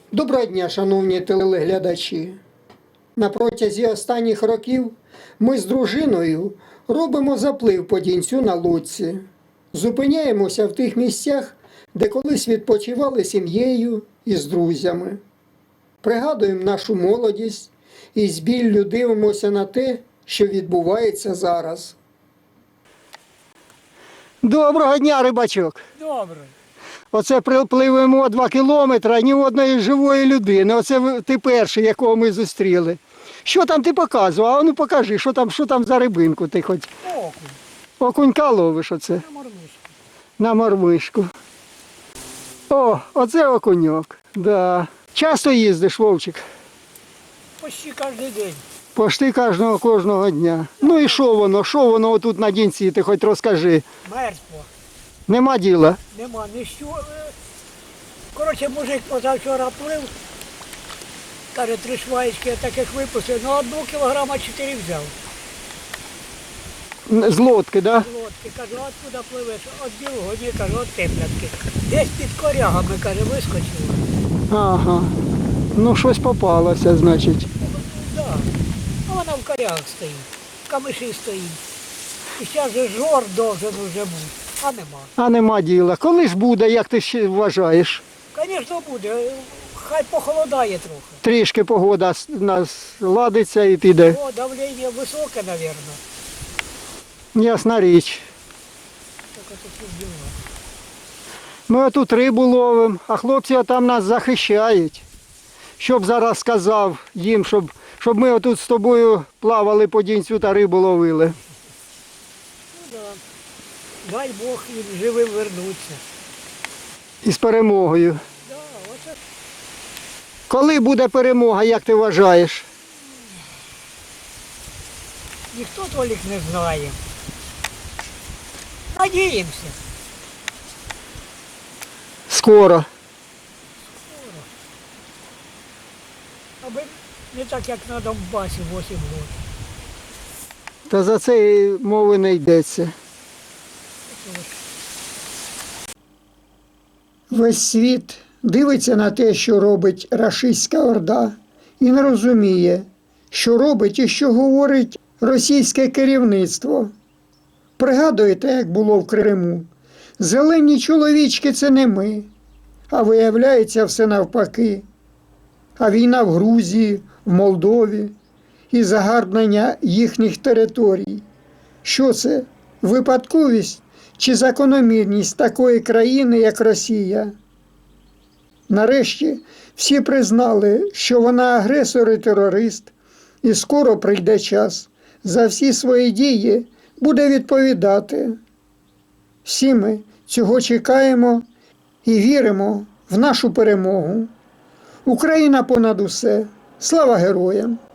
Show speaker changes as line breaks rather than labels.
Доброго дня, шановні телеглядачі! На протязі останніх років ми з дружиною робимо заплив по Дінцю на лодці. Зупиняємося в тих місцях, де колись відпочивали сім'єю і з друзями. Пригадуємо нашу молодість і з біллю дивимося на те, що відбувається зараз. Доброго дня, рибачок!
Добре.
Оце припливемо 2 кілометри, ні одної живої людини. Оце ти перший, якого ми зустріли. Що там ти показував? А ну покажи, що там за рибинку ти хоч.
Окунь.
Окунька ловиш оце.
На мормишку.
На мормишку. О, оце окуньок. Да. Часто їздиш, Вовчик?
Почти кожен день.
Пошти кожного дня. Ну і що воно отут на Дінці, ти хоч розкажи.
Мертво.
Нема діла.
Нема нічого. Коротше, мужик позавчора плив. Каже, 3 шваєчки я таких випустив. Ну, 1 кілограма 4 взяв.
З лодки, да?
З лодки. Кажу, откуда пливеш? От білого, ні, кажу, от Теплянки. Десь під корягами, каже, вискочило.
Ага. Ну щось попалося, значить.
Так. А вона в корягах стоїть. В камиші стоїть. І зараз же жор должен уже бути. А нема.
А нема діла. Коли ж буде, як ти ще вважаєш?
Звісно, буде. Хай похолодає трохи.
Трішки погода нас ладиться і піде.
О, давлення високе, мабуть.
Ясна річ.
Тільки такі діла.
Ми тут рибу ловимо, а хлопці там нас захищають. Щоб зараз сказав їм, щоб ми отут з тобою плавали по Дінцю та рибу ловили.
Ну так. Дай Бог їм живим вернуться.
І з перемогою.
Да, оце
Коли буде перемога, як ти вважаєш?
ніхто толік не знає. Надіємося.
Скоро.
Аби не так, як на Донбасі 8 років.
Та за це і мови не йдеться. Весь світ дивиться на те, що робить рашистська орда, і не розуміє, що робить і що говорить російське керівництво. Пригадуєте, як було в Криму? Зелені чоловічки – це не ми, а виявляється все навпаки. А війна в Грузії, в Молдові і загарбнення їхніх територій. Що це? Випадковість чи закономірність такої країни, як Росія? Нарешті всі признали, що вона агресор і терорист, і скоро прийде час за всі свої дії буде відповідати. Всі ми цього чекаємо і віримо в нашу перемогу. Україна понад усе. Слава героям!